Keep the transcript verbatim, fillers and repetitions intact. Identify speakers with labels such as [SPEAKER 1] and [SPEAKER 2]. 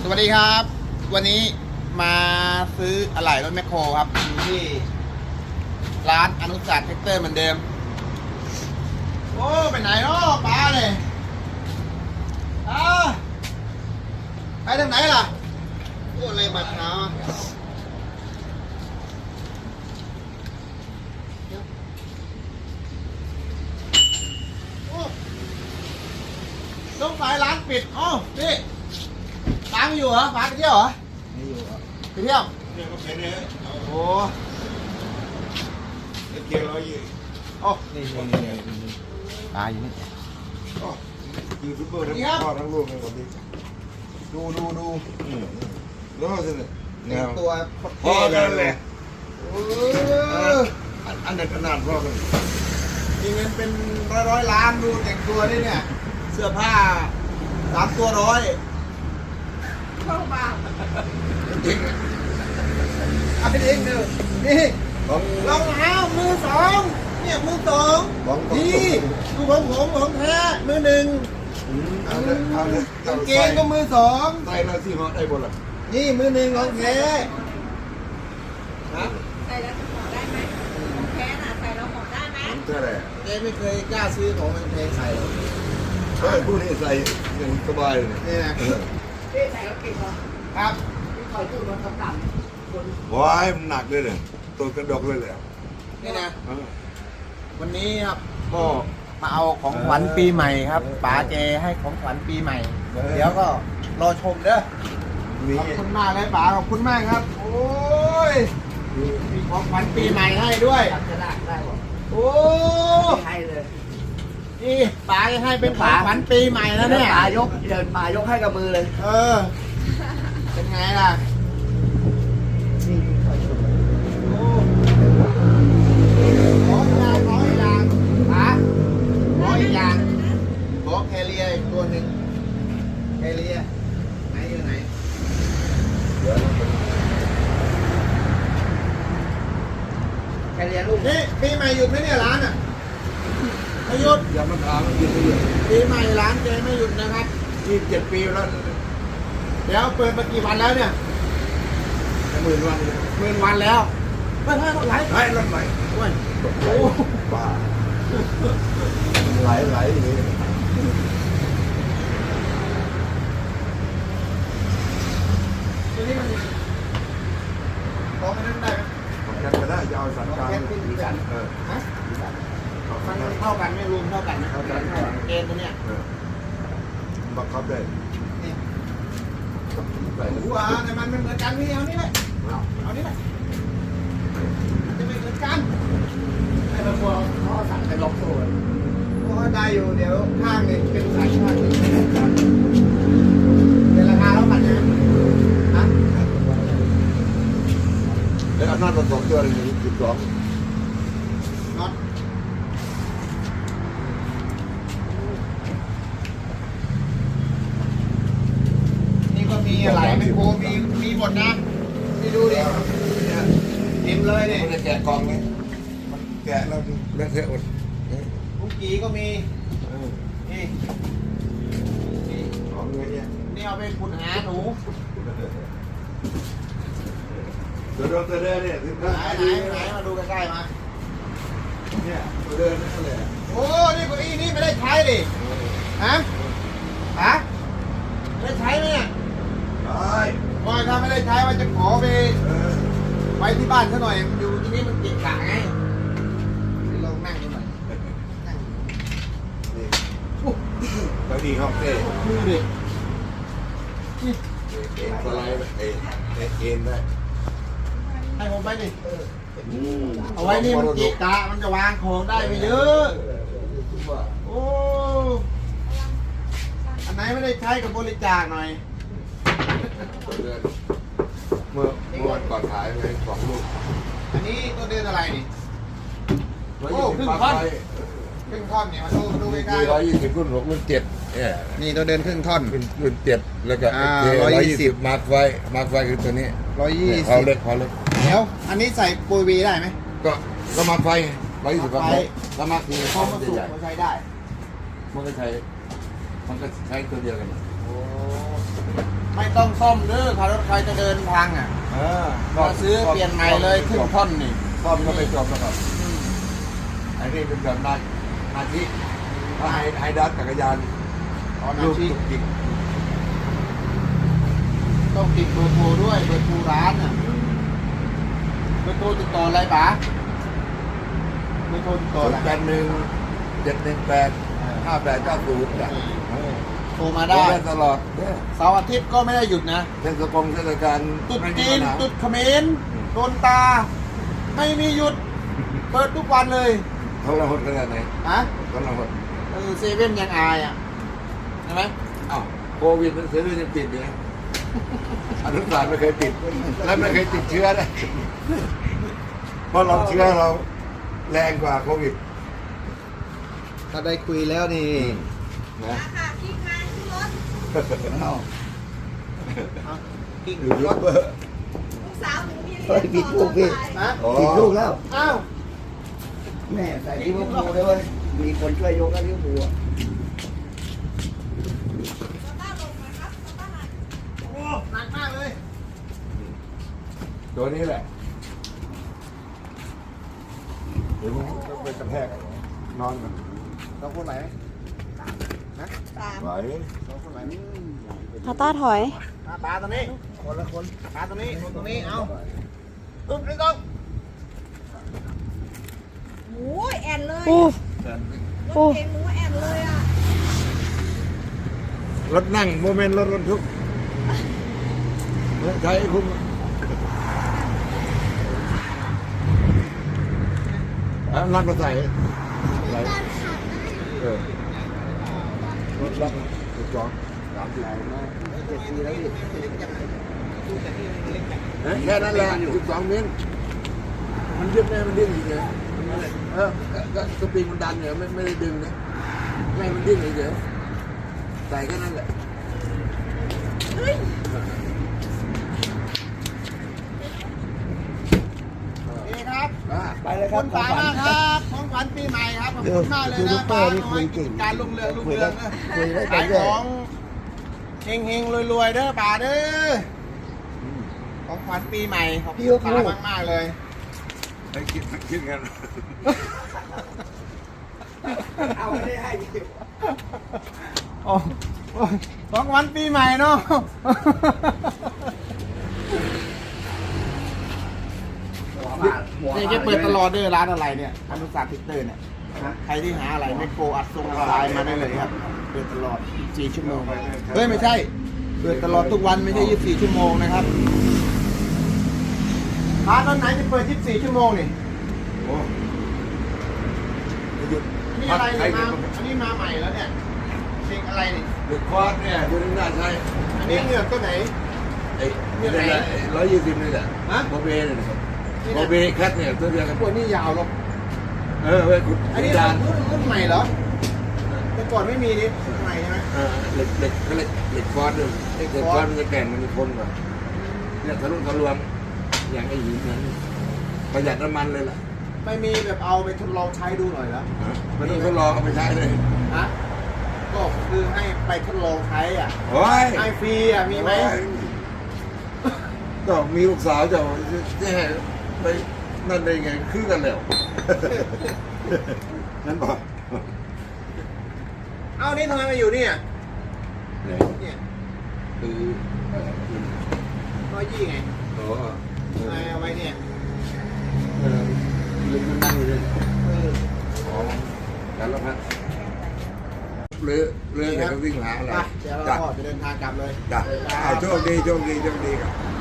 [SPEAKER 1] สวัสดีครับวันนี้มาซื้ออะไหล่รถแมคโครครับอยู่ที่ร้านอนุสาสตร์แท็กเตอร์เหมือนเดิมโอ้ไปไหนเนาะป้าเลยอ้าไปทางไหนล่ะโอ้อะไรบัดเนาะต้องไปร้านปิดอ๋อนี่ป้าไม่อยู่เหรอป้าไปเที่ยวเหรอไม่อยู่ครับไปเที่ยวเนี่ยก็เป็นเนี่ยโอ้เกียร์ร้อยยี่โอ้นี่นี่นี่ป้าอยู่นี่
[SPEAKER 2] ยูทูบเบอร์ทั้งพ่อทั้งลูกเลยวันนี้ดูดูดูแล้วสิเนี่ย
[SPEAKER 1] ตัว
[SPEAKER 2] พ่อกันเลยอันนั้นขนาดพ่อกัน
[SPEAKER 1] มีเงินเป็นร้อยร้อยล้านดูแต่งตัวนี่เนี่ยเสื้อผ้าสามตัวร้อยเข้ามา
[SPEAKER 2] จริง
[SPEAKER 1] เอาไปเองเด้อนี่รองเท้ามือสองเนี่ยมือสองนี่ดูของผมของแท้มือหนึ่ง
[SPEAKER 2] เอาเลยเอาเลย
[SPEAKER 1] กางเกงก็มือสอง
[SPEAKER 2] ใส่แล้วสิเหาะได้บ่ล่ะ
[SPEAKER 1] นี่มือหนึ่งของแท้ฮะ
[SPEAKER 3] ใส่แล้วจะห่อได้ไหมของแท้น่ะใส่แล้วห่อได้ไหม
[SPEAKER 2] เท่าไหร่
[SPEAKER 1] เจ๊ไม่เคยกล้าซื้อของแพงๆใส่หรอก
[SPEAKER 2] เฮ้ยผู้นี้ใส่อย่างสบายเลย
[SPEAKER 1] นี่นะ
[SPEAKER 3] พี่ใส่แล้วเก่งเหรอ
[SPEAKER 1] ครับ
[SPEAKER 3] พี่คอยตู้รถต่ำๆคน
[SPEAKER 2] ว้ายมันหนักเลยเนี่ยตัวกระดกเลยแหละ
[SPEAKER 1] นี่นะวันนี้ครับก็มาเอาของขวัญปีใหม่ครับป๋าเจให้ของขวัญปีใหม่เดี๋ยวก็รอชมเด้อขอบคุณมากเลยป๋าขอบคุณมากครับโอ้ยมีของขวัญปีใหม่ให้ด้วย
[SPEAKER 3] จะได้ได้หรอ
[SPEAKER 1] โอ้
[SPEAKER 3] ให้เลย
[SPEAKER 1] นี่ป๋าให้เป็นของขวัญปีใหม่แล้วเนี่ย
[SPEAKER 3] ป๋ายกเดินป๋ายกให้กับมือเลย
[SPEAKER 1] เออเป็นไงล่ะ
[SPEAKER 3] นี่คอยตู้
[SPEAKER 1] โอ้ขออย่างขออย่างป๋าขออีกอย่างขอแคเรียอีกตัวหนึ่งแคเรียไหนอยู่ไหน
[SPEAKER 3] แคเรียลูก
[SPEAKER 1] นี่ปีใหม่หยุดไหมเนี่ยร้านอ่ะไม่หยุด
[SPEAKER 2] อย่ามาถามมันกินไม่หยุด
[SPEAKER 1] ปีใหม่ร้านเจไม่หยุดนะครับ
[SPEAKER 2] ยี่สิบเจ็ดปีแล้ว
[SPEAKER 1] เดี๋ยวเปิดมากี่วันแล้วเนี่ย
[SPEAKER 2] หมื่นวัน
[SPEAKER 1] หมื่นวันแล้วไม่ใช่รถไหล
[SPEAKER 2] ไหลรถไหล
[SPEAKER 1] โอ้ยโอ้
[SPEAKER 2] บ้าไหลไหลอย่างนี้
[SPEAKER 1] ตัวนี้มันของมันนั่นได้ไหม
[SPEAKER 2] ของแคทก็ได้จะเอาสันกลางเออ
[SPEAKER 1] ฮะมันเท่ากันไหมรวมเท่ากันไหม
[SPEAKER 2] เท่ากัน
[SPEAKER 1] เกณฑ์ตัวเนี้ย
[SPEAKER 2] บังคับได้
[SPEAKER 1] ใส่หัวแต่มันไม่เหมือนกันนี่เอานี่แหละเอาเอานี่แหละมันจะไม่เหมือนกัน
[SPEAKER 3] ไอ้บางคนเขาสั่งเป็นล็อกโซ่
[SPEAKER 1] เพราะได้อยู่เดี๋ยวข้างนี่เป็นสายข้างนี่เป็นราคาเท่ากันนะฮะ
[SPEAKER 2] แล้วอำนาจผสมตัวนี้สิบสอง
[SPEAKER 1] น็อตนี่ก็มีอะไรไม่โคมีมีหมดนะนี่ดูดิเต็มเลยเนี่ย
[SPEAKER 2] มันจะแกะกองนี้มันแกะแล้วเลือกเทอะหมด
[SPEAKER 1] คุกกี้ก็มีนี่นี่
[SPEAKER 2] ของเงี้ยเนี่ย
[SPEAKER 1] นี่เอาไปขุดหาหนู
[SPEAKER 2] ตัวเดินตัวเดินเนี่ย
[SPEAKER 1] ไหนไหนไหนมาดูใกล้ๆมา
[SPEAKER 2] เนี่ยตัวเดินนั่นแหละ
[SPEAKER 1] โอ้นี่เก้าอี้นี่ไม่ได้ใช้ดิฮะฮะไม่ได้ใช้ไหมเนี่ย
[SPEAKER 2] ใช่
[SPEAKER 1] ว่าถ้าไม่ได้ใช้ว่าจะขอไปไปที่บ้านซะหน่อยอยู่ที่นี่มันเกะกะไงลองนั่งดูหน่อยนั่ง
[SPEAKER 2] นี่เก้าอี้ห้องเต้
[SPEAKER 1] ดูดิ
[SPEAKER 2] เอ็นสไลด์เอ็นเอ็นได้
[SPEAKER 1] ให้ผมไปดิเอาไว้นี่มันเกะกะมันจะวางของได้ไปเยอะโอ้อันไหนไม่ได้ใช้กับบริจาคหน่อย
[SPEAKER 2] เมื่อเมื่อวันก่อนขายไปสองลูก
[SPEAKER 1] อันนี้ตัวเดือนอะไรนี่โอ้ครึ่งท่อนครึ่งท่อนเนี่ยมาดูมาดูใกล้ๆ
[SPEAKER 2] ร้อยยี่สิบรุ่นหกรุ่นเจ็ดเนี่ย
[SPEAKER 1] นี่ตัวเดินครึ่งท่อน
[SPEAKER 2] รุ่นรุ่นเจ็ดแล้วก็ร้อยยี่สิบมาร์คไฟมาร์คไฟคือตัวนี้
[SPEAKER 1] ร้อยยี่สิบ
[SPEAKER 2] เขาเล็กเขาเล็ก
[SPEAKER 1] เดี๋ยวอันนี้ใส่ปุยวีได้ไหม
[SPEAKER 2] ก็ก็มาร์คไฟร้อยยี่สิบมาร์คไฟก็มาร์คที
[SPEAKER 1] เขามาสูบเขาใช้ได้
[SPEAKER 2] มันก็ใช้มันก็ใช้ตัวเดียวกัน
[SPEAKER 1] โอ้ไม่ต้องซ่อมเด้อถ้ารถใครจะเดินทางอ่ะ
[SPEAKER 2] เออ
[SPEAKER 1] มาซื้อเปลี่ยนใหม่เลยครึ่งท่อนนี่
[SPEAKER 2] ซ่อมก็ไม่จบแล้วครับไอ้นี่เป็นแบบนานาทีถ้าไฮไฮดัสจักรยาน
[SPEAKER 1] อ๋อนา
[SPEAKER 2] ลูก
[SPEAKER 1] ที
[SPEAKER 2] จุกจิก
[SPEAKER 1] ต้องติดเบอร์โทรด้วยเบอร์โทรร้านอ่ะเบอร์โทรติดต่ออะไรป๋าเบอร์โทรติดต่อ
[SPEAKER 2] ศู
[SPEAKER 1] อะไร
[SPEAKER 2] นย์แปดหนึ่งเจ็ดหนึ่งแปดห้าแปดเก้าศูนย์จ้ะ
[SPEAKER 1] โทรมา
[SPEAKER 2] ได้
[SPEAKER 1] ได้
[SPEAKER 2] ตลอดเนี่ย
[SPEAKER 1] เสาร์อาทิตย์ก็ไม่ได้หยุดนะ
[SPEAKER 2] เทศกงเทศกาล
[SPEAKER 1] ตุ๊ด
[SPEAKER 2] ไม่มี
[SPEAKER 1] จีน
[SPEAKER 2] ปัญหา
[SPEAKER 1] ตุ๊ดเขมรโดนตา ไม่มีหยุด เปิดทุกวันเลย
[SPEAKER 2] เขาละหดขนาดไหน
[SPEAKER 1] ฮะ
[SPEAKER 2] เขาละหด
[SPEAKER 1] เออเซเว่นยังอายอ่ะใช่ไหม
[SPEAKER 2] อ้าวโควิดมันเสียด้วยยังปิดเนี่ยอนุสารไม่เคยปิด และไม่เคยติดเชื้อนะเพราะเราเชื้อเราแรงกว่าโควิด
[SPEAKER 1] ถ้าได้คุยแล้วนี่
[SPEAKER 2] นะ
[SPEAKER 3] ราคาพริกมาขึ้นรถ
[SPEAKER 2] เอา
[SPEAKER 1] เอากิ๊ก
[SPEAKER 2] อยู่ยู
[SPEAKER 1] รถ
[SPEAKER 2] เบอร์
[SPEAKER 3] ลูกสาวหนูมี
[SPEAKER 4] เฮ้ยผิดลูกพี่
[SPEAKER 1] ฮะ
[SPEAKER 2] อ๋อ
[SPEAKER 4] ติดลูกแล้ว
[SPEAKER 1] อ้าว
[SPEAKER 4] แม่ใส่ลิเวอร์พูลเลยเว้ยมีคนช่วยยกแล้วลิเวอร์พูลอะ
[SPEAKER 3] ต้าลงมาครับต้ามา
[SPEAKER 1] โอ้หนักมากเลย
[SPEAKER 2] ตัวนี้แหละเดี๋ยวมึงต้องไปกระแทกนอนกัน
[SPEAKER 1] สองคนไหนนะ
[SPEAKER 3] สาม
[SPEAKER 2] ไหว
[SPEAKER 1] สองคนไหน
[SPEAKER 5] พาต้าถอย
[SPEAKER 1] มาปลาตัวนี้ คนละคนปลาตัวนี้คนตรงนี้ เอาอึ๊บนี่ต้อง
[SPEAKER 3] โอ้ยแอนเลย
[SPEAKER 5] อู้
[SPEAKER 3] รถเก๋งหนูแอนเลยอ่ะ
[SPEAKER 2] รถนั่งโมเมนต์รถรถทุกข์ใช้คุ้มอ่ะนั่งมาใส่ไหลเออรถรับถูกจองสามสิบ
[SPEAKER 4] เจ็ดปีแล้วพี่
[SPEAKER 2] เอ๊ะแค่นั้นแหละสิบสองเมตรมันยึดแม่มันดิ้นอยู่เลยเออก็สปริงมันดันเนี่ยไม่ไม่ได้ดึงนะแม่มันดิ้นเฉยๆใส่แค่นั้นแหละ
[SPEAKER 1] นี่ครับ
[SPEAKER 2] อ่า
[SPEAKER 4] ไปเลย
[SPEAKER 1] ข
[SPEAKER 4] ค
[SPEAKER 1] อ
[SPEAKER 4] รั
[SPEAKER 1] บบ คุณป๋ามากครับของขวัญปีใหม่ครับขอบคุณมากเลย
[SPEAKER 4] ยูทู
[SPEAKER 1] นะ
[SPEAKER 4] บเบอ
[SPEAKER 1] ป๋า
[SPEAKER 4] ร์นี่
[SPEAKER 1] น้
[SPEAKER 4] คุ
[SPEAKER 1] อย
[SPEAKER 4] ย
[SPEAKER 1] กิ
[SPEAKER 4] เก่
[SPEAKER 1] จ
[SPEAKER 4] ง
[SPEAKER 1] การลุงเรืองลุง
[SPEAKER 4] คุย
[SPEAKER 1] เรื
[SPEAKER 4] ได้
[SPEAKER 1] องนะ
[SPEAKER 4] คุยได้ไป
[SPEAKER 1] ขาย
[SPEAKER 4] เรื่
[SPEAKER 1] ข
[SPEAKER 4] อย
[SPEAKER 1] องเฮงเฮงๆรวยๆเด้อป๋าเด้อของขวัญปีใหม่ขอบคุณป๋ามากมากๆเลย
[SPEAKER 2] ให้คิดคิดกัน
[SPEAKER 4] เอาไม่ได้ให้พี่
[SPEAKER 1] โอ้โอ้ยของขวัญปีใหม่เนาะนี่จะเปิดตลอดเด้อร้านอะไรเนี่ยอนุสาสตร์ทิกเตอร์เนี่ยใครที่หาอะไรไม่โกอัดทรงอัดลายมาได้เลยครับเปิดตลอดสี่ชั่วโมงเฮ้ยไม่ใช่เปิดตลอดทุกวันไม่ใช่ยี่สิบสี่ชั่วโมงนะครับร้านตอนไหนจะเปิดยี่สิบสี่ชั่วโมงนี่
[SPEAKER 2] โอ้หยุด
[SPEAKER 1] นี่
[SPEAKER 2] พั
[SPEAKER 1] อะ
[SPEAKER 2] ก
[SPEAKER 1] ไร
[SPEAKER 2] ใคร
[SPEAKER 1] เนี่ย
[SPEAKER 2] จะ
[SPEAKER 1] มาอันนี้มาใหม่แล้วเนี่ยเพลงอะไรนี่
[SPEAKER 2] เด็กคอร์สเนี่ยดูนี่น่าใช่
[SPEAKER 1] อันนี้เหงือกตัวไหน
[SPEAKER 2] ไอ้นี่แหละร้อยยี่สิบนี่แหละ
[SPEAKER 1] ฮะ
[SPEAKER 2] โบเบ้เนี่ยนะครับโบเบ้แคทเนี่ยตัวเดียวกัน
[SPEAKER 1] พวกนี้ยาวหรอก
[SPEAKER 2] เออเว้ยคุณ
[SPEAKER 1] อันนี้
[SPEAKER 2] จาน
[SPEAKER 1] รุ่นรุ่นใหม่เหรอแต่ก่อนไม่มีนี่รุ่นใหม่ใช่ไหม
[SPEAKER 2] เออเหล็กเหล็กเขาเรียกเหล็กคอร์สด้วยเหล็กคอร์สมันจะแก่งมันจะทนกว่าเนี่ยทะลุทะลวงอย่างไอ้หินนั้นประหยัดน้ำมันเลยล่ะ
[SPEAKER 1] ไม่มีแบบเอาไปทดลองใช้ดูหน่อยแล้ว
[SPEAKER 2] ไม่ต้องทดลองเอาไปใช้เลย
[SPEAKER 1] ฮะก็คือให้ไปทดลองใช้อ่ะ
[SPEAKER 2] โอ้ย
[SPEAKER 1] ให้ฟรีอ่ะมีไหม
[SPEAKER 2] ก็มีลูกสาวจะจะให้ไปนั่นได้ไงคือกันแล้วนั่นบอก
[SPEAKER 1] เอานี่ทำไมมาอยู่เนี่ย
[SPEAKER 2] เนี่ย
[SPEAKER 1] เนี่ย
[SPEAKER 2] คือเออคือ
[SPEAKER 1] ร้อยยี่ไง
[SPEAKER 2] โอ้
[SPEAKER 1] ทำไมเอาไว้เนี่ย
[SPEAKER 2] เออลืมมันนั่งอยู่เลย
[SPEAKER 1] เออ
[SPEAKER 2] อ๋อการละพัดเรือเรือเนี่ยก็วิ่งหาอะไร
[SPEAKER 1] ไปเดี๋ยวเรา
[SPEAKER 2] จ้ะ
[SPEAKER 1] ก็จะเดินทางกลับเลย
[SPEAKER 2] จ้ะ
[SPEAKER 1] เดินทาง
[SPEAKER 2] อ่าโชคดีโชคดีโชคดีครับ